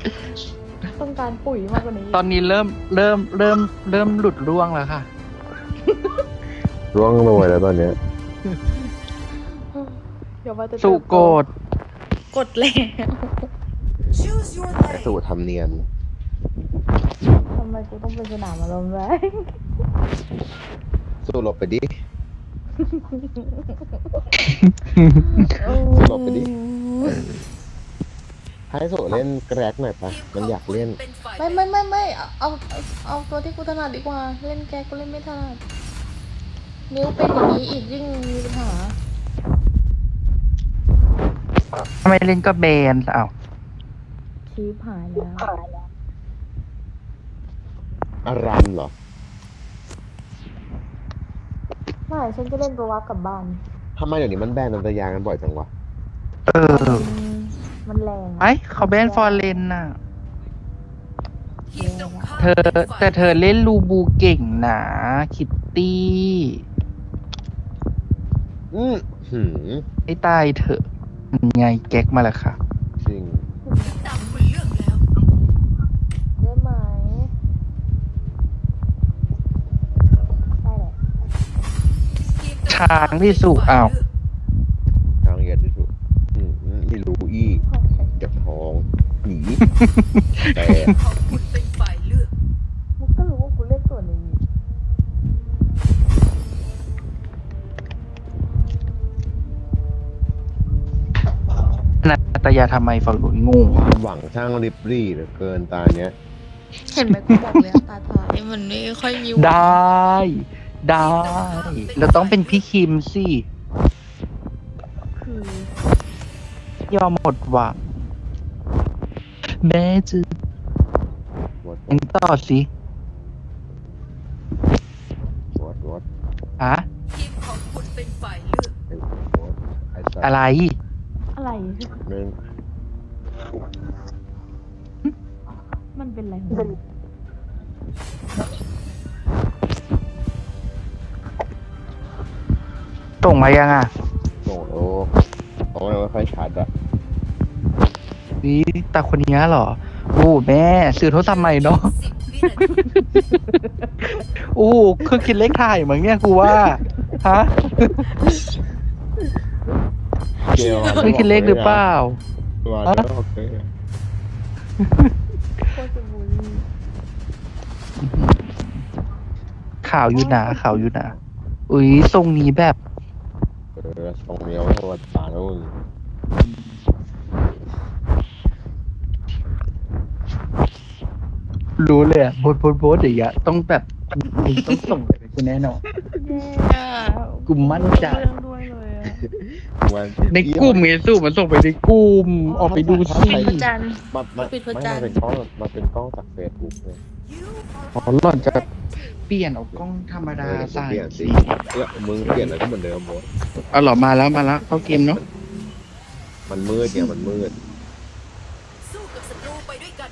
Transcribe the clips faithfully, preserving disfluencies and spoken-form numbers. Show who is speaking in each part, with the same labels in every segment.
Speaker 1: ต้องการปุ๋ยมากกว่านี้
Speaker 2: ตอนนี้เริ่มเริ่มเริ่มเริ่มหลุดร่วงแล้วค่ะ
Speaker 3: ร่วงโรยแล้วตอนเนี้ย
Speaker 1: เดี๋ยวว่าจะ
Speaker 2: สุโกด
Speaker 1: กดแล้ว
Speaker 3: ไอ้สู่ทำเนียน
Speaker 1: ทำไมกูต้องเป็นสนามอารมณ์แรง
Speaker 3: สู้หลบไปดิ
Speaker 1: โอ้
Speaker 3: หลบไปดิ ให้สู่เล่นแกร็กหน่อยปะมันอยากเล่น
Speaker 1: ไม่ไม่ไม่ไม่เอาเอาเอาตัวที่กูถนัดดีกว่า เล่นแกกูเล่นไม่ถนัดนิ้วเป็นอย่างนี้อีกยิ่งมีปัญหา
Speaker 2: ทำไมเล่นก็แบนอ้าว
Speaker 1: ชีพหายแล้ว
Speaker 3: อารันเหรอ
Speaker 1: ไม่ฉันจะเล่นตัววับกลับบ้าน
Speaker 3: ทำไมเดี๋ยวนี้มันแบนนันตยางกันบ่อยจังวะ
Speaker 2: เออ
Speaker 1: มันมันแรง
Speaker 2: ไอเขาแบนฟอร์เรนน่ะ
Speaker 1: แรงอะ
Speaker 2: เธอแต่เธอเล่นลูบูเก่งนะคิตตี้
Speaker 3: อืมหืม
Speaker 2: ให้ตายเถอะไงแก๊กมาแล้วค่ะ
Speaker 3: จริง
Speaker 1: ได้ไหมได้แหละ
Speaker 2: ช้างที่สุอ้าว
Speaker 3: ทางเหยียดที่สุดอืมไม่รู้อี้เจ็บท้องหนีแต่
Speaker 1: มึงก็รู้ว่ากูเล่นตัวนี้
Speaker 2: นาตยาทำไมฝั่งหนุนงู
Speaker 3: ความหวังช่างริบรี่เหลือเกินตาเนี้ย
Speaker 1: เห็นไหมกูบอกเลยตาทายมันไม่ค่อยมีหวัง
Speaker 2: ได้ ได้เราต้องเป็นพี่คิมสิ
Speaker 1: คือย
Speaker 2: อมหมดหวังแม่จะ
Speaker 3: วอด
Speaker 2: ยังต่อสิ
Speaker 3: วอดวอด
Speaker 2: ฮะ
Speaker 3: ไอ้วอดไอ้สัต
Speaker 2: อะไร
Speaker 3: ว์
Speaker 1: อะไร
Speaker 3: นึง
Speaker 1: มันเป็นอะไรของมัน
Speaker 2: ส่งมายังอ่ะ
Speaker 3: โอ้โหเพราะมันไม่ค่อยชัดอะ
Speaker 2: นี่ตาคนนี้เหรอ โอ้แม่ซื้อโทรศัพท์ใหม่เนาะ โอ้คือคิดเลขถ่ายเหมือนเนี่ยกูว่า ฮะ
Speaker 3: เกล
Speaker 2: คือคิดเลขหรือเปล่า
Speaker 3: ตัว
Speaker 2: ฮะ
Speaker 3: โอเค
Speaker 1: โคตรจะบูลลี่
Speaker 2: ข่าวอยู่หนาข่าวอยู่หนาอุ้ยทรงนี้แบบ
Speaker 3: เออทรงเดียวไม่ตัวตาแล้วมึง
Speaker 2: รู้เลยอะโพสโพสโพสอย่างเงี้ยต้องแบบมึงต้องส่งไปกูแน่นอน
Speaker 1: แย่
Speaker 2: กูมั่นใจ
Speaker 1: เรื่องด้วยเลยอะ
Speaker 3: วัน
Speaker 2: ในกลุ่มไงสู้มันส่งไปในกลุ่มออกไปดูสิ
Speaker 1: ปิดพระจันทร์
Speaker 3: มามา
Speaker 1: ปิดพระ
Speaker 3: ไม่
Speaker 1: จันทร์
Speaker 3: มาเป็นกล้องมาเป็นกล้องจากเฟซบุ๊กเลย
Speaker 2: อ๋อหล่อนจะเปลี่ยนเอากล้องธรรมดา
Speaker 3: เออ
Speaker 2: ใส่
Speaker 3: เปลี่ยนสิเออมึงเปลี่ยนอะไรก็เหมือนเดิมหมด
Speaker 2: เอาหรอมาแล้วมาแล้วเข้าเกมเนาะ
Speaker 3: มันมืดเนี่ยมันมืด
Speaker 4: สู้กับศัตรูไปด้วยกัน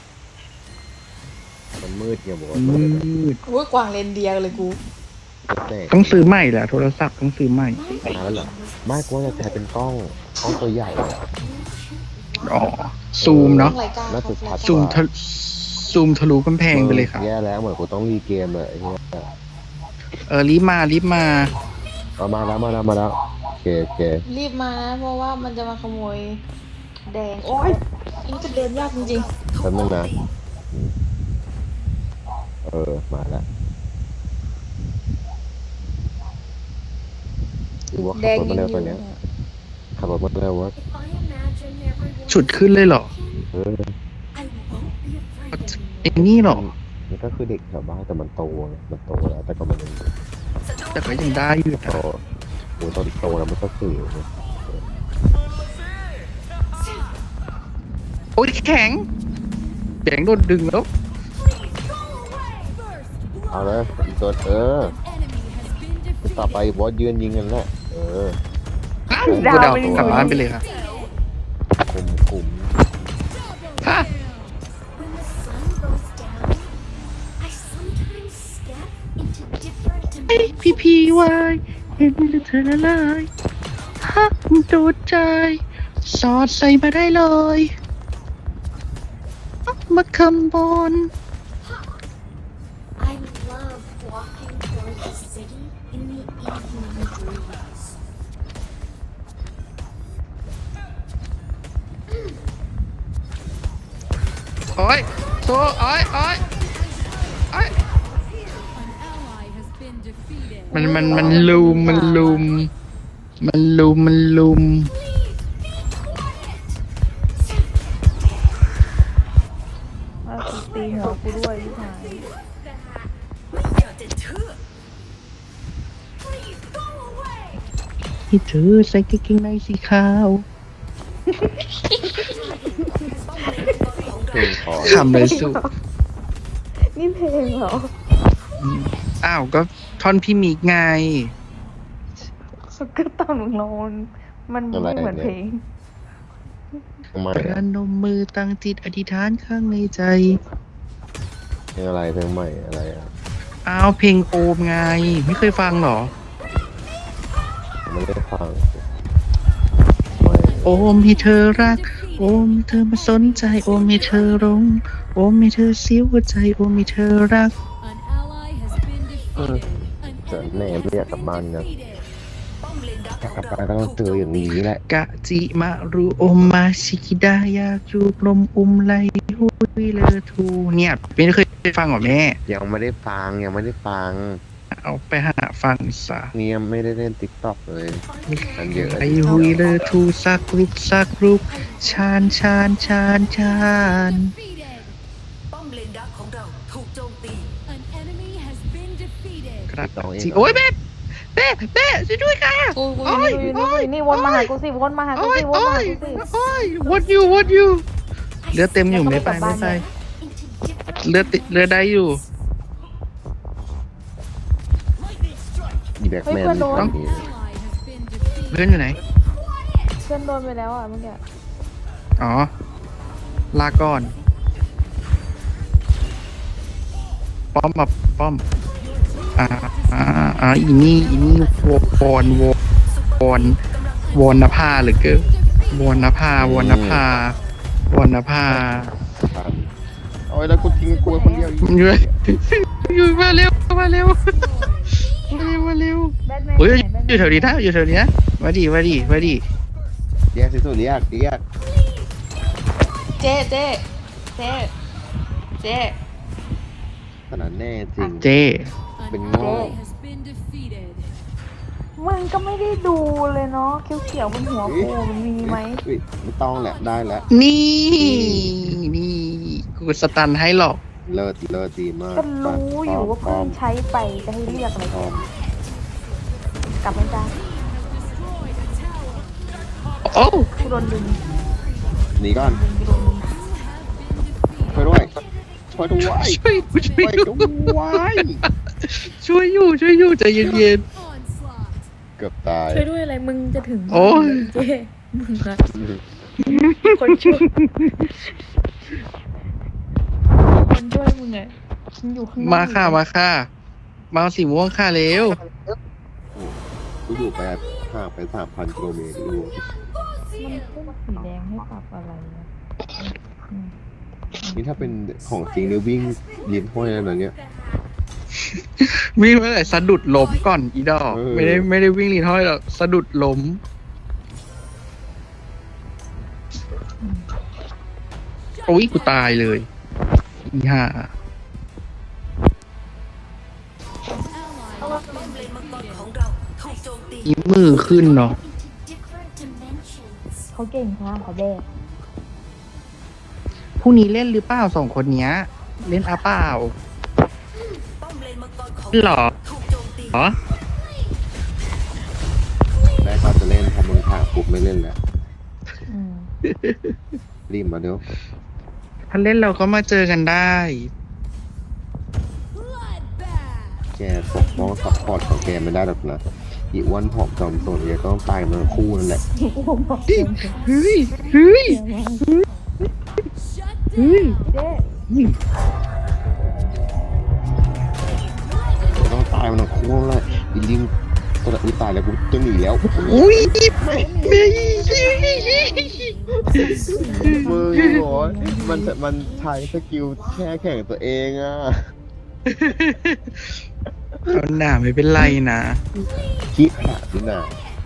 Speaker 3: มันมืดเนี่ยหมด
Speaker 2: มืด
Speaker 1: โอ้ยกวางเลนเดียเลยกู
Speaker 3: แต่
Speaker 2: ต้องซื้อใหม่แหละโทรศัพท์ต้องซื้อใหม่
Speaker 3: มาแล้วเหรอไม่กลัวจะใช้เป็นกล้องกล้องตัวใหญ่อะ
Speaker 2: อ๋อซูมเนาะ
Speaker 1: รายการ
Speaker 3: น่าจะชัด
Speaker 2: ซูมทะซูมทะลุกำแพงไปเลยค่ะ
Speaker 3: แย่แล้วเหมือนกูต้องรีเกมเลยไอ้เหี้ย
Speaker 2: เออรีบมารีบมา
Speaker 3: เอามาแล้วมาแล้วมาแล้วโอเคโอเค
Speaker 1: รีบมานะเพราะว่ามันจะมาขโมย แดง โอ้ยอันนี้จะเดินยากจริง
Speaker 3: แป๊บนึงนะเออมาแล้วดูว่า
Speaker 1: ๆ แด
Speaker 3: ขับ
Speaker 1: ง
Speaker 3: รถ
Speaker 1: ยั
Speaker 3: มาง เร็ว
Speaker 1: อ
Speaker 3: ตอยู่ นเนี้ย
Speaker 1: อะ
Speaker 3: ขับรถมาเร็ววะ
Speaker 2: ฉุดขึ้นเลยเหรอ
Speaker 3: เออ
Speaker 2: ไอ้นี่เหรอ
Speaker 3: มันก็คือเด็กแถวบ้านแต่มันโตไงมันโตแล้วแต่ก็มันยัง
Speaker 2: แต่ก็ยังได้อยู่
Speaker 3: โต
Speaker 2: นะ
Speaker 3: โอ้ตอนโตแล้วมันก็สื่อไง
Speaker 2: โอ้ยแข็งแข็งโดนดึงแล้ว
Speaker 3: เอาเลยอีกตัวเออต่อไปบอสยืนยิงกันแหละเออ
Speaker 2: กูเดากลับบ้านไปเลยค่ะ
Speaker 3: คุมคุม
Speaker 2: ฮะ ไอ้พี่พีวายเห็นแล้วเธอละลายฮักโดนใจ สอดใส่มาได้เลยมาคำบน
Speaker 5: I love walking toward the city in the evening breeze.
Speaker 2: โอ้ยโซโอ้ยโอ้ยโอ้ย มันมันมันลุมมันลุมมันลุมมันลุม
Speaker 6: ว่ากูตีหัวกูด้วยพี่ชาย
Speaker 4: ไม่อยากจะเชื่อ
Speaker 2: ที่เธอใส่กางเกงในสีขาว
Speaker 3: เพลงพอ
Speaker 2: คำเลยสุ
Speaker 6: นี่เพลงเหรอ
Speaker 2: อ้าวก็ท่อนพี่มิกไง
Speaker 6: ก็ตอนมึงลงมันไม่เหมือนเพลง
Speaker 3: ทำไม
Speaker 2: ประ
Speaker 3: อะ
Speaker 2: นมมือตั้งจิตอธิษฐานข้างในใจ
Speaker 3: เพลงอะไรเพลงใหม่อะไรอ่ะ
Speaker 2: อ้าวเพลงโอมไง ไม่เคยฟังเหรอ
Speaker 3: ไม่ได้ฟังไม่
Speaker 2: โอมให้เธอรัก โอมให้เธอมาสนใจ โอมให้เธอหลงโอมให้เธอเสียหัวใจ โอมให้เธอรัก
Speaker 3: เออแต่แม่ไม่อยากกลับบ้านนะ
Speaker 4: ป้อมเลนดัก
Speaker 3: อยาก
Speaker 4: ข
Speaker 3: ก
Speaker 4: อ
Speaker 3: ลับ
Speaker 4: งเรา
Speaker 3: บ้านก็ต้องเจออย่างนี้แหละ
Speaker 2: กะจิมารุโอมมาชิกิดาอยากจูบลมอุ้มไหลหุยเลอทูเนี่ยไม่เคยฟังเหรอแม่
Speaker 3: ยังไม่ได้ฟังยังไม่ได้ฟัง
Speaker 2: เอาไปหาฟังซะ
Speaker 3: เนี่ยไม่ได้เล่นติ๊กต็อกเลยมันเยอะ
Speaker 2: ไอหุยเลอทูสักรูปสักรูปชานชานชานชาน
Speaker 4: ป้อมเลนดักของเราถูกโจมตี
Speaker 2: กระจิโอ้ยแม่แม่แม่ช่วยด้วยค่ะ
Speaker 6: กูกูอยู่นี่กูอยู่นี่กูอยู่นี่วนมาหากูสิวนมาหากู
Speaker 2: โอ้ย
Speaker 6: สิวน
Speaker 2: โอ้
Speaker 6: มาหาย กูสิ
Speaker 2: โอ้ย what you what you เลือดเต็มอยู่ไม่ไปไม่ไป
Speaker 5: Into different
Speaker 2: เลือดติดเลือดได้อยู่
Speaker 3: อีแบ็กแมนนี่ทำนี้
Speaker 2: เพื่อนอยู่ไหน
Speaker 6: เพื่อนโดนไปแล้วอ่ะเมื่อกี้
Speaker 2: อ๋อ ลาก่อน ป้อมมาป้อม อ่า อ่า อ่า อีนี่ อีนี่วอนวอนวอนวอนนภาหรือเกินวอนนภาวอนนภาวอนนภา
Speaker 3: โอ้ยแล้วกูทิ้งกูไว้คนเดียวอีก
Speaker 2: อยู่อยู่มาเร็ว มาเร็ว มาเร็ว มาเร็ว
Speaker 6: แบทแมน
Speaker 2: เฮ้ย
Speaker 6: ไหนแบทแมน
Speaker 2: อยู่แถวนี้นะอยู่แถวนี้นะมาดิ มาดิ มาดิ
Speaker 3: แยกสิสุดแยกแยก
Speaker 1: เจ๊เจ๊เจ๊เจ๊
Speaker 3: ขนาดแน่จริง
Speaker 2: เจ
Speaker 3: เป็นโง่
Speaker 6: มึงก็ไม่ได้ดูเลยเนาะเขียวๆบนหัวกูมันมีไหม
Speaker 3: เฮ้ยไม่ต้องแหละได้แล้ว
Speaker 2: นี่ นี่ กูสตันให้หรอก
Speaker 3: เลิศเลิศดีมาก
Speaker 6: ก็รู้อยู่ว่า
Speaker 3: พร้
Speaker 6: เพิ่
Speaker 3: อม
Speaker 6: งใช้ไปจะให้เรียกอะไร
Speaker 3: พร้อม
Speaker 6: กลับมาจ้า
Speaker 2: โอ้
Speaker 6: กูโดนดึง
Speaker 3: หนีก่อน
Speaker 6: กูโดนดึง
Speaker 3: ช่วยด้วยช่วยด้วย
Speaker 2: ช่วยกูช่
Speaker 3: ช่
Speaker 2: ว
Speaker 3: วย ย
Speaker 2: อยู่
Speaker 3: ด้วย
Speaker 2: ช่วยอยู่ช่วยอยู่ใจเย็น
Speaker 3: เกือบตาย
Speaker 6: ช่วยด้วยอะไรมึงจะถึง
Speaker 2: โอ้ย
Speaker 6: เจ๊มึงอะคนช่วยคนช่วยมึงอะมึงอยู่ข้างหน้า
Speaker 2: ๆมาค่ะมาค่ะมาเอาสีม่วงค่ะเร็ว
Speaker 3: กูอยู่ไปห่างไปสามพันกิโลเมตรดู
Speaker 6: มันขึ้นสีแดงให้ปรับอะไรอะอืม
Speaker 3: นี่ถ้าเป็นของจริงเนี่ยวิ่งลิ้นห้อยอะไรเนี้ย
Speaker 2: วิ่งไปเลยสะดุดล้มก่อนอีดอก
Speaker 3: เออ
Speaker 2: ไม่ได้ไม่ได้วิ่งลีนห้อยหรอกสะดุดล้มโอ้ยกูตายเลยอีห่า
Speaker 4: ป้อมเลนมังกรของเราถูกโจมตี
Speaker 2: อีมือขึ้นเนาะ
Speaker 5: into different dimensions.
Speaker 6: เขาเก่งค่ะเขาแบก
Speaker 2: พรุ่งนี้เล่นหรือเปล่าสองคนเนี้ย เล่นอาเปล่า
Speaker 4: ป้อมเลนมังกรของ
Speaker 2: หรอ
Speaker 4: ถูกโจมตี
Speaker 2: เหรอ
Speaker 3: ได้ก็จะเล่นพอมึงถามปุ๊บไม่เล่นแล้ว
Speaker 6: อืม
Speaker 3: รีบมาเดี๋ยว
Speaker 2: ถ้าเล่นเราก็มาเจอกันได้
Speaker 3: แกปกป้องซัพพอร์ตของแกไม่ได้หรอกนะอีอ้วันผอมจอมโซนแกก็ต้องตายมันคู่นั่นแหละ
Speaker 2: เฮ้ย เฮ้ย เฮ้ย
Speaker 6: เจ๊
Speaker 3: แกต้องตายมันคู่นั่นแหละอีลิงโตคนละที่ตายแล้วกูจะหนีแล้ว
Speaker 2: อุ้ยไม่
Speaker 3: มึงโอ้ยมันมันใช้สกิลแช่แข่งตัวเองอ่ะ
Speaker 2: เอาหนาไม่เป็นไรนะ
Speaker 3: คิดขาดนี่นา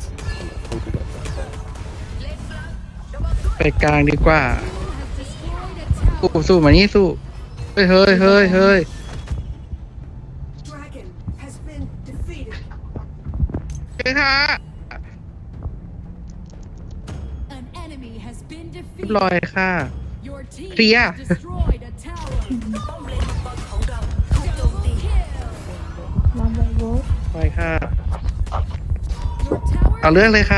Speaker 2: ไปกลางดีกว่าสู้สู้มานี่สู้เฮ้ยเฮ้ยเฮ้ยเฮ้ย
Speaker 4: Dragon has been defeated.
Speaker 2: เฮ้ยค่ะ
Speaker 4: An enemy has been
Speaker 2: เรียบ
Speaker 4: defeated.
Speaker 2: ร้อยค่ะ
Speaker 4: Your team
Speaker 2: Clear.
Speaker 4: has destroyed a tower. ป้อมเลนมังกรของเราถูกโจมตี
Speaker 6: ลองไปโว้
Speaker 2: ไปค่ะ
Speaker 4: Your tower
Speaker 2: เอาเรื่องเลยค่ะ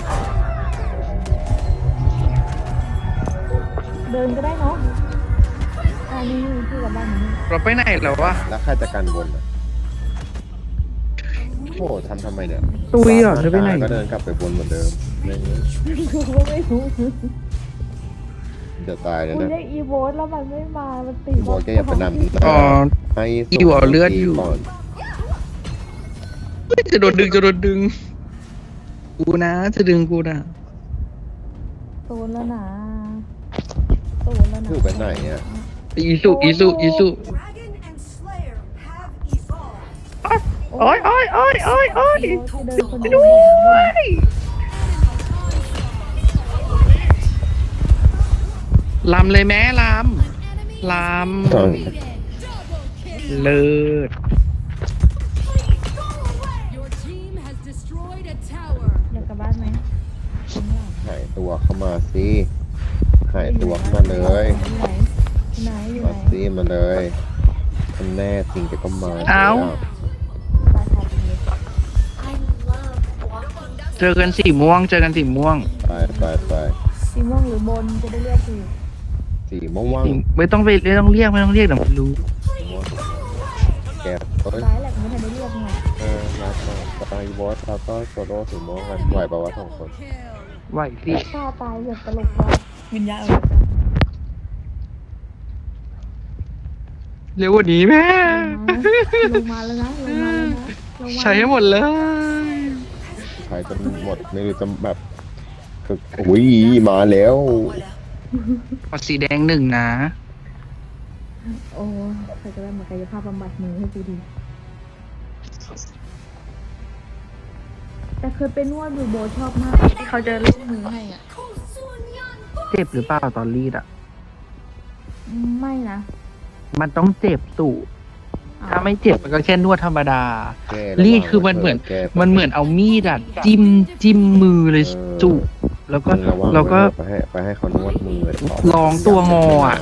Speaker 6: เดินก็ได้เนาะอ่านี่ที่กับบ้านนี้
Speaker 2: เราไปไหนแล้ววะ
Speaker 3: แล้วใครจะกันบนอ่ะโอ้ทำทำไมเนี่ย
Speaker 2: ตุยเหรอเธอไปไหน
Speaker 3: ก็เดินกลับไปบนเหมือนเดิมไม่งั้น
Speaker 6: กูก็ไม่รู้
Speaker 3: เดี๋ยวตายเลย
Speaker 6: กู
Speaker 3: นะ
Speaker 6: เรียกอีโวสแล้วมันไม่มา มันตี
Speaker 3: บอกแกอย่าไปนำ
Speaker 2: อ๋อ
Speaker 3: ให้
Speaker 2: อยู่เอาเลือดอยู่
Speaker 3: ก่อน
Speaker 2: เฮ้ยจะโดนดึงจะโดนดึง กูนะ จะดึงกูนะ
Speaker 6: โซนแล้วนะโซนแล้วนะ
Speaker 3: คือไปไหนอ่ะ
Speaker 2: อีสุอีสุอีสุ
Speaker 4: Dragon and Slayer have evolved.
Speaker 2: โอ้ยโอ้ยโอ้ยโอ้ยโอ้ย
Speaker 6: อีโวสเดินคนเดียว
Speaker 2: ด้วยลำเลยแม่ลำลำเลิศ
Speaker 4: Your team has destroyed a tower.
Speaker 6: อยากกลับบ้านไหมข้างหลัง
Speaker 3: หายตัวเข้ามาสิหายตัวเข้ามาเลย
Speaker 6: อยู่ไหนอยู่ไหนอยู่
Speaker 3: มา
Speaker 6: ไหน
Speaker 3: สิมาเลยอันแน่จริงจะก็มา
Speaker 2: เอ้า
Speaker 6: บ้านทาดีเลย
Speaker 5: I love walking
Speaker 2: เจอกันสีม่วง เจอกันสีม่วง
Speaker 3: ไปไปไป
Speaker 6: สีม่วงหรือบนจะได้เรียกถูก
Speaker 3: สีม่วง
Speaker 2: ไม่ต้องไปไม่ต้องเรียกไม่ต้องเรียกเดี๋ยวมันรู้
Speaker 3: สีม่วงแกเอ้ย
Speaker 6: ร้ายแหละไม่ทันได้เรียกไง
Speaker 3: เออมาสไตล์บอสแล้วก็โซโล่สีม่วงกันไหวปะวะสองคน
Speaker 4: Kill.
Speaker 2: ไหวสิ
Speaker 6: ฆ่าตายแบบตลกว่ะวิญญาณเอาไป
Speaker 2: เร็วกว่านี้แม่
Speaker 6: ลงมาแล้วนะลงมาแล้วนะลงมา
Speaker 2: ใช้ให้หมดเลย
Speaker 3: ใช้จนหมดไม่รู้จะแบบคืออุ้ยมาแล้ว
Speaker 2: เอาสีแดงหนึ่งนะ
Speaker 6: โอ้ใครจะได้มากายภาพบำบัดมือให้กูดีแต่เคยไปนวดอยู่โบชอบมากที่เขาจะลูบมือให้อ่ะ
Speaker 2: เจ็บหรือเปล่าตอนรีดอ่ะ
Speaker 6: ไม่นะ
Speaker 2: มันต้องเจ็บสู่
Speaker 6: อ้ว
Speaker 2: ถ้าไม่เจ็บมันก็แค่นวดธรรมดา
Speaker 3: แก้ระวัง
Speaker 2: รีดคือมันเหมือน
Speaker 3: แก้
Speaker 2: มันเหมือนเอามีดอะจิ้มจิ้มมือเลยจุแล้วก็
Speaker 3: ระวัง
Speaker 2: แล้วก็
Speaker 3: ไปให้ไปให้เขานวดมือเลย
Speaker 2: ลองตัวงออะ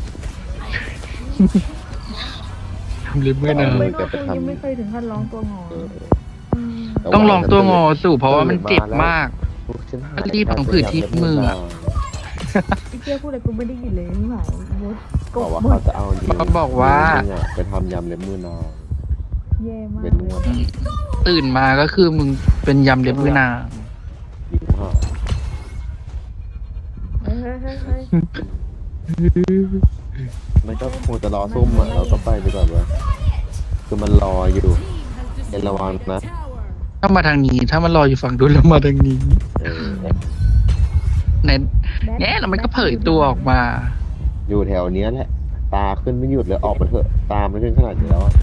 Speaker 2: ทำเล็บไม่นาน
Speaker 6: ไม่เคยยังไม่เคยถึงขั้นร้องตัวงอ
Speaker 3: เออ
Speaker 6: ม
Speaker 2: ต้องลองตัวงอสู่เพราะว่ามันเจ็บมาก
Speaker 3: ฉันหา
Speaker 2: รีบของผืดที่มืออะ
Speaker 6: พี่เจ้าพูดอะไรกูไม่ได้ยินเลยไม่ไหวมดก
Speaker 3: บอก
Speaker 6: บ
Speaker 3: ว่า
Speaker 6: หม
Speaker 3: เขา
Speaker 6: ด
Speaker 3: จะเอานิ้ว
Speaker 2: เขาบอกว่า
Speaker 3: นิ้อะไปทำยำเล็บมือนาง
Speaker 6: แย่มาก
Speaker 3: เป็นนวด
Speaker 2: ตื่นมาก็คือมึงเป็นยำเล็บมือนาง
Speaker 3: นิ้วห่า
Speaker 6: เฮ้ยเฮ้ยเฮ้ยเฮ้ย
Speaker 3: มันก็คงจะรอส้มอ่ะเราก็ไปดีกว่าเว้ยคือมันรออยู่
Speaker 4: Team has
Speaker 3: Ella
Speaker 4: destroyed
Speaker 3: Wang
Speaker 4: a
Speaker 3: na.
Speaker 4: tower.
Speaker 2: ถ้ามาทางนี้ ถ้ามันรออยู่ฝั่งนู้นแล้วมาทางนี้
Speaker 3: เออ
Speaker 2: ไหนแง่แล้วมันก็เผยตัวออกมา
Speaker 3: อยู่แถวเนี้ยแหละ ตาขึ้นไม่หยุดเลยออกมาเถอะตามไม่ขึ้นขนาดนี้แล้วอะ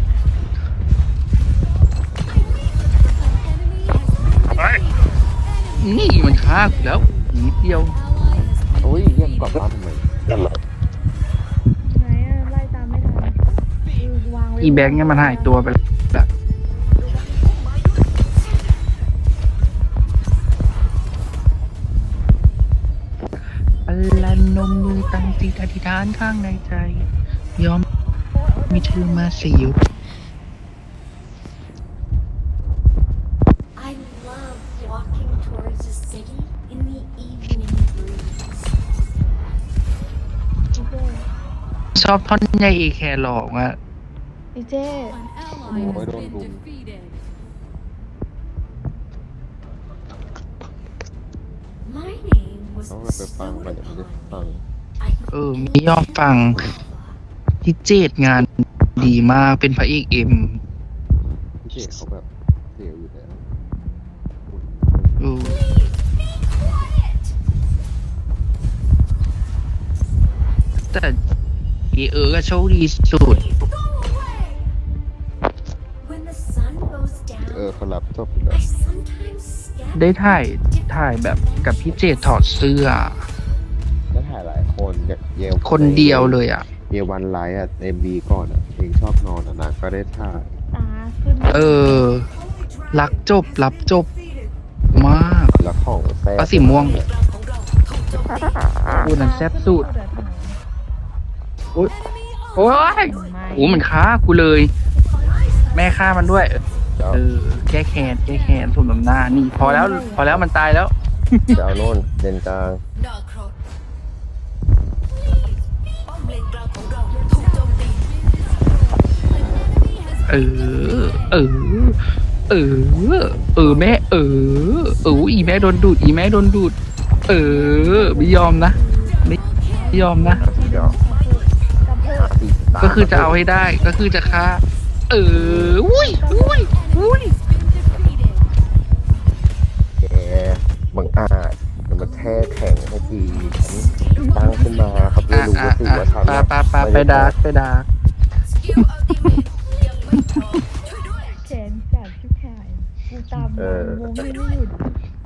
Speaker 2: นี่มันฆ่ากูแล้วนิดเดียว
Speaker 3: โอ้ยเรียกกลับบ้านทำไม
Speaker 6: ไหนอะไล่ตามไม่ทันคือวางไว้
Speaker 2: อีแบงค์เนี่ยมันหายตัวไปแล้วพลันนมมือตั้งจิตอธิษฐานข้างในใจ ยอมมีเธอมาสิยุ
Speaker 5: I love walking towards the city in the evening breeze.
Speaker 6: พี่เจ้
Speaker 2: ชอบท่อนใหญ่เอแคร์หลอกอะ
Speaker 6: พี่เจ้
Speaker 4: An ally has been defeated.
Speaker 5: My name was
Speaker 3: ต้องไปฟังไปเดี๋ยวไม่ได้ฟัง
Speaker 5: I
Speaker 2: เออ มียอมฟังที่เจดงานดีมากเป็นพระเอกเอ็ม
Speaker 3: พี่เจเขาแบบเสียวอยู่แล้ว
Speaker 2: อแต่เอเออก็โชคดีสุด
Speaker 5: When the sun goes
Speaker 3: เออ
Speaker 5: down,
Speaker 3: เขารับจบแล้ว
Speaker 5: I sometimes step
Speaker 2: ได้ถ่ายถ่ายแบบกับพี่เจดถอดเสื้อ
Speaker 3: แล้วถ่ายหลายคนเนี่ยเยล
Speaker 2: คนเดียวเลยอ่ะ
Speaker 3: เยวันไลท์อ่ะเอ็มบีก่อนอ่ะเพลงชอบนอนอ่ะนะก็ได้ถ่าย
Speaker 6: ตาขึ้น
Speaker 2: เออ รักจบ รับจบ มาก
Speaker 3: แล้วของแซ่บ
Speaker 2: ปลาสีม่วง พูดนั้นแซ่บสุด โอ๊ยโอ๊ยโอ้มันฆ่ากูเลย แม่ฆ่ามันด้วย
Speaker 3: แล้ว
Speaker 2: เออ แก้แค้นแก้แค้นสมน้ำหน้า นี่ พอแล้ว พอแล้วมันตายแล้ว
Speaker 3: จะเอาโน่นเลนกลาง
Speaker 4: ดาร์ครอดป้อมเลนกลางของเราถูกโจมตี
Speaker 2: เออ เออ เออ เออแม่ เออ เอออีแม่โดนดูด อีแม่โดนดูด เออ ไม่ยอมนะ ไม่ไม่ยอมนะ
Speaker 3: เดี๋ยว
Speaker 2: ก็คือจะเอาให้ได้ ก็คือจะฆ่า เออ อุ้ยอุ้ยอุ้ย
Speaker 3: แกบังอาจมันมาแช่แข็งให้ทีฉันตั้งขึ้นมาครับไม่
Speaker 2: อ่ะ
Speaker 3: รู้
Speaker 2: อ่ะ
Speaker 3: ว่าสิ
Speaker 2: อ่ะ
Speaker 3: ว่าฉัน
Speaker 2: ปาปาปาไปดาร์กไปดาร์ก
Speaker 4: สกิลอัลติเมทยังไม่พร้อมช่วยด้วย
Speaker 6: แขนจัดชิบหายกูตามงงไม่หยุด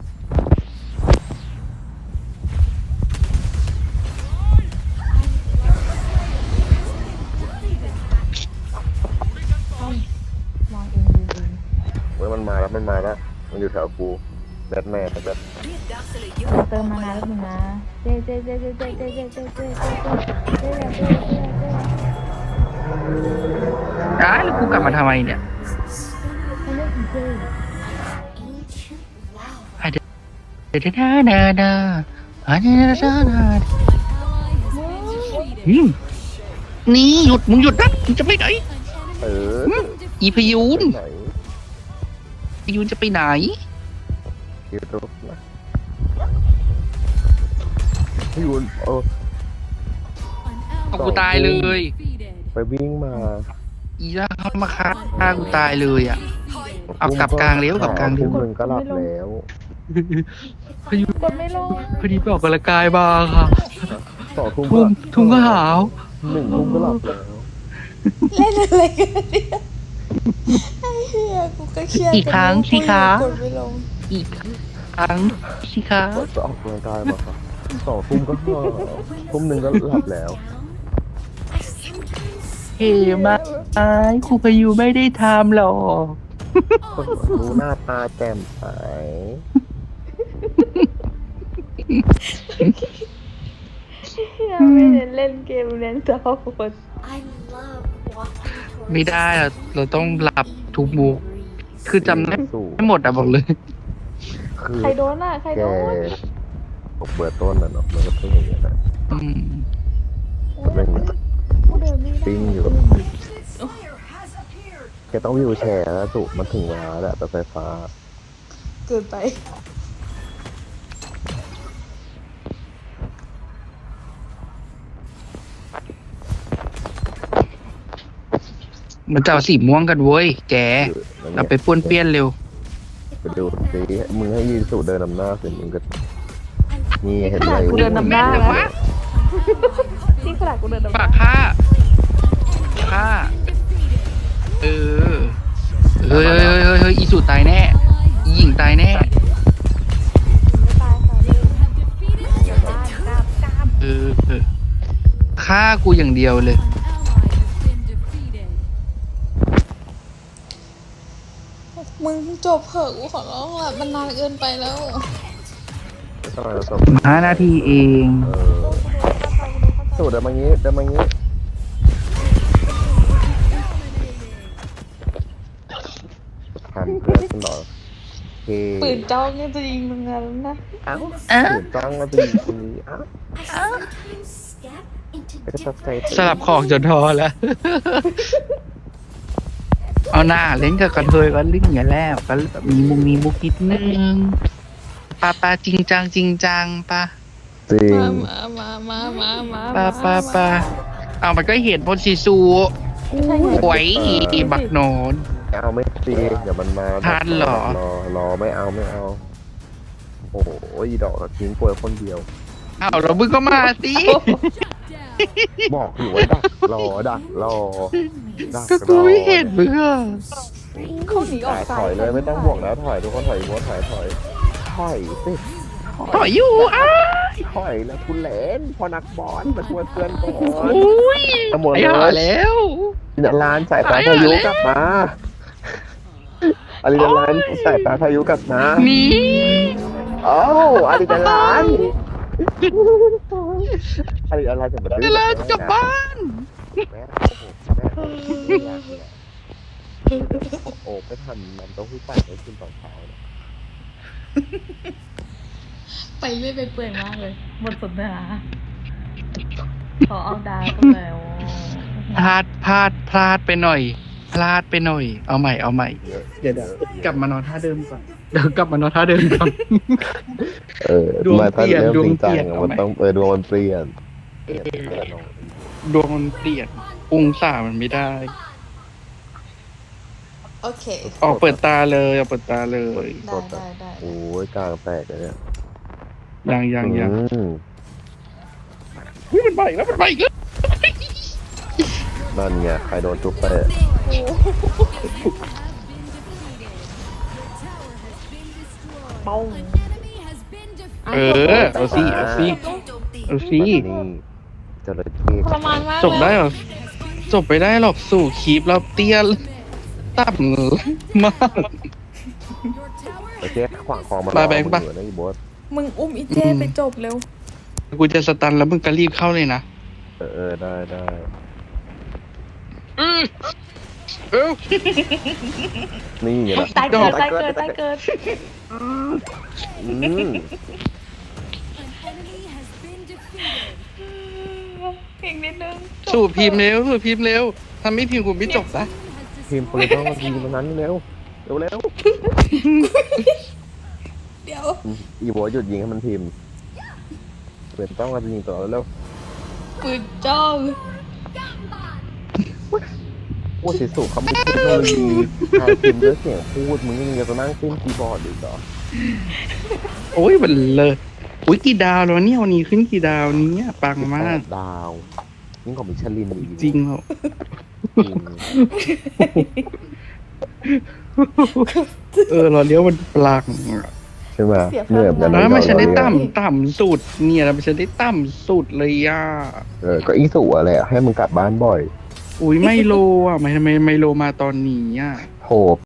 Speaker 6: มองเองดูเอง
Speaker 3: เว้ยมันมาแล้วมันมาแล้วมันอยู่แถวกูแบทแมนแบบ
Speaker 4: เรียกดาร์คสเลเยอ
Speaker 6: ขอ
Speaker 4: ร์
Speaker 6: เติมมานานแล้วนึงนะเจเจเจเจเจเจเจเจเจเจเจเจเจเจเจ
Speaker 2: อ้าวแล้วกูกลับมาทำไมเนี่ย
Speaker 6: เขาเรียกเจ
Speaker 5: ancient love.
Speaker 2: เดดาดาดาอันนี้ดาดาดาอืมนี่หยุด มึงหยุดนะมึงจะไปไหน
Speaker 3: เออ
Speaker 2: อีพยูน
Speaker 3: ไหน
Speaker 2: พยูนจะไปไหน
Speaker 3: คิวรูปนะพี่ยุนเออ
Speaker 2: เอากูตายเลย
Speaker 3: ไปวิ่งมา
Speaker 2: อีล่าเข้ามาฆ่าฆ่ากูตายเลยอ่ะ เอากลับกลางเร็วกลับกลางเร็ว
Speaker 3: ทุ่มหนึ่งก็หลับแล้ว
Speaker 2: พยูน
Speaker 6: กดไม่ลง
Speaker 2: พอดีไปออกกำลังกายมาค่ะ
Speaker 3: สองทุ่ม
Speaker 2: ทุ่มทุ่มก็หาว
Speaker 3: หนึ่งทุ่มก็หลับแล้ว
Speaker 1: เล่นอะไรกันเนี่ยไอ้เหี้ยกูก็เครียด
Speaker 2: อีกครั้งสิคะ
Speaker 1: กดไม่ลง
Speaker 2: อีกครั้งสิคะ
Speaker 3: จะออกกำลังกายมาครับสองทุ่มก็หลับทุ่มหนึ่งก็หลับแล้ว
Speaker 2: เฮ้มาไอ้ครูพยูนไม่ได้ทำหรอก
Speaker 3: คนรู้หน้าตาแจ่มใส
Speaker 6: ไม่ได้เล่นเกมเล่นต่อคน
Speaker 5: I love walking
Speaker 2: ไม่
Speaker 5: towards
Speaker 2: ได้อะเราต้องหลับทุกมุก คือจำได้
Speaker 3: สูง
Speaker 2: ไม่หมดอะบอกเลย
Speaker 3: คือ
Speaker 6: ใครโดนอ่ะ ใคร
Speaker 3: แก
Speaker 6: โดน
Speaker 3: ผมเปิดต้นน่ะเนาะมันก็เป็นอย่างนี้ยนะ
Speaker 2: อืม
Speaker 3: เป็นอย่างนี้ย
Speaker 6: กูเดินไม่ได้
Speaker 3: ปิ้งอยู่แกต้องวิวแชร์แล้วสุมันถึงเวลาแล้วแต่ไฟฟ้า
Speaker 1: เกินไป
Speaker 2: มันจะเอาสีม่วงกันเว้ย แก
Speaker 3: แล้ว
Speaker 2: เรา
Speaker 3: เนี่ย
Speaker 2: ไปป้วนเปี้ยนเร็ว
Speaker 3: ไปดูสิมึงให้ยีสุเดินนำหน้าสิมึงก็นี่เห็น
Speaker 6: ข
Speaker 3: ไหม
Speaker 6: นาดกูเดินนำหน้าแล้วที่ขนาดกูเดินนำห
Speaker 2: ปา
Speaker 6: น้าก
Speaker 2: ฆ่าฆ่า เออ เฮ้ยเฮ้ยเฮ้ยเฮ้ยอีสุตายแน่ อีหญิงตายแน่
Speaker 6: ไม่ตายค่ะเลยบ้านกล้ามกล้าม
Speaker 2: เออเออฆ่ากูอย่างเดียวเลย
Speaker 1: มึงจบเถอะกูขอร้องละมันนานเกินไปแล้ว
Speaker 3: ไม่ต้องอะไรจบ
Speaker 2: ห้านาทีเอง
Speaker 3: เออสุเดินมางี้เดินมางี้ทำเพื่อนฉันเหรอเฮ้
Speaker 1: ปืนจ้องเนี่ยจะยิงมึงงั้นนะ
Speaker 3: เอ้า
Speaker 2: อ่ะ
Speaker 3: ตื่นจ้องมาจะมีคนนี้เอ้า
Speaker 5: I sometimes step into
Speaker 3: ไปก็ตัดใจ
Speaker 2: สลับของจนทอแล้ว เอาหน้าเล่นกับกระเทยก็เล่นอย่างนี้แหล้วก็แบบมีมุมมีมุกนิดนึงปาปาจริงจังจริงจังปะ
Speaker 3: จริง
Speaker 1: มามามามามา
Speaker 2: ปาปาปาเอามันก็เห็นพลซีซูหวยบักโนน
Speaker 3: ไม่เอาไม่ตีเดี๋ยวมันมา
Speaker 2: ทันเหรอ
Speaker 3: รอรอไม่เอาไม่เอาโอ้โหอีดอกทิ้งป่วยคนเดียว
Speaker 2: อ้าวเราบึ้งก็มาสิ
Speaker 3: บอกอยู่ว่าดักรอดักรอดัก
Speaker 2: ก็
Speaker 3: ร
Speaker 2: กู
Speaker 3: อ
Speaker 2: ไม่เห็นมึงอะ
Speaker 6: เขาหนีออก
Speaker 3: ถ
Speaker 6: ซ้า
Speaker 3: อยเลยไม่ต้องบวกแล้วถอยทุกคนถอยบวกถอยถอยถอยสิ
Speaker 2: ต่อยอยู่อ้า
Speaker 3: ถอยแล้วคุณเล่นพอนักบอลมาช่วยเพื่อนก่อน
Speaker 2: อุ้ย
Speaker 3: ทั้งหมด
Speaker 2: ไอ้
Speaker 3: เล
Speaker 2: ห่าย แล้ว
Speaker 3: อาริดาลานสายตาพายุกลับมาอาริดาลานสายตาพายุกลับมา
Speaker 2: หนี
Speaker 3: โอ้อาริดาลานอาริดาลานจะมา
Speaker 2: เวลาจะกลับบ้าน
Speaker 3: แม่โอ้โหแม่ไม่อยากเลยโอ้ไม่ทันมันต้องพูดปั่นให้กินตอนเช้าเนี่ย
Speaker 1: ไปเรื่อยไปเปื่อยมากเลย
Speaker 6: หมดสนทนาขอเอาดาวก็แล้ว
Speaker 2: พลาดพลาดพลาดไปหน่อย พลาดไปหน่อย เอาใหม่เอาใหม่
Speaker 3: เยอะ
Speaker 2: เดี๋ยวเดี๋ยวกลับมานอนท่าเดิมก่อนเดี๋ยวกลับมานอนท่าเดิมก่อน
Speaker 3: เออ
Speaker 2: ดวง
Speaker 3: มาถ้า
Speaker 2: เปลี่ยน
Speaker 3: เริ่ม
Speaker 2: ดวง
Speaker 3: จริงจัง
Speaker 2: เปลี่ยน
Speaker 3: อะ
Speaker 2: เอา
Speaker 3: มัน
Speaker 2: ไหม
Speaker 3: ต้องเออดวงมันเปลี่ยนเปลี่ยนเปลี่ยนลง
Speaker 2: ดวงมันเปลี่ยนองศามันไม่ได้
Speaker 1: โอเค
Speaker 2: ออกเปิดตาเลยออกเปิดตาเลย
Speaker 1: ได้ได้ได้
Speaker 3: โอ้ยกลางแตกเลยเนี่ย
Speaker 2: ยังยังยัง
Speaker 3: อืม
Speaker 2: อุ๊ยมันไปอีกแล้วมันไปอีกแล้ว
Speaker 3: นั่นไงใครโดนทุบไป
Speaker 6: ป้อง
Speaker 2: เออเอาสิเอาสิเอาสิ
Speaker 3: นี่จระเข้
Speaker 1: ทรมานมาก
Speaker 2: จบได้เหรอจบไปได้หรอกสู่คลิปเราเตี้ยต่ำมาก
Speaker 3: จระเข้ขวางคอมัน
Speaker 2: มาแบงค์ปะ
Speaker 3: อยู่นะอีโบส
Speaker 6: มึงอุ้มอีเจไปจบเร็ว
Speaker 2: กูจะสตันแล้วมึงก็รีบเข้าเลยนะ
Speaker 3: เออเออได้ได้
Speaker 2: เออเออ
Speaker 3: นี่ไงล่ะ
Speaker 6: ตายเกิดตายเกิดตายเกิด
Speaker 3: อืม
Speaker 6: อีกนิดนึง
Speaker 2: สู่พิมพ์เร็วสู่พิมพ์เร็วถ้าไม่พิมพ์กูไม่จบนะ
Speaker 3: ทีมโปรเลต้องมาทีมตรงนั้นเร็วเร็วเร็ว
Speaker 1: เดี๋ยว
Speaker 3: อีโบสหยุดยิงให้มันทีมเป็นต้องมายิงต่อแล้ว
Speaker 1: ปืนจ้อง
Speaker 3: โอ้สิสุเขาไม่เทคโนโลยีทางพิมพ์ด้วยเสียงพูดมึงยังจะนั่งเล่นคีย์บอร์ดอีกเหรอ
Speaker 2: โอ้ยมันเลยอุ้ยกี่ดาวแล้วเนี่ยวันนี้ขึ้นกี่ดาวเนี้ยปังมาก
Speaker 3: ดาวยิ่งกว่ามิชลินอีก
Speaker 2: จริงเหรอ
Speaker 3: จริง
Speaker 2: เออเราเลี้ยวมันปลัง
Speaker 3: ใช่ไหมเหนื่อยแบบ
Speaker 2: แล้วมันฉันได้
Speaker 3: เรา
Speaker 2: ต่ำต่ำสุดเนี่ยมันฉันได้ต่ำสุดเลยอ่ะ
Speaker 3: เออก็อีสุอะไรอะให้มึงกลับบ้านบ่อย
Speaker 2: อุ้ยไมโลอ่ะทำไมทำไมไมโลมาตอนนี้อ่ะ
Speaker 3: โห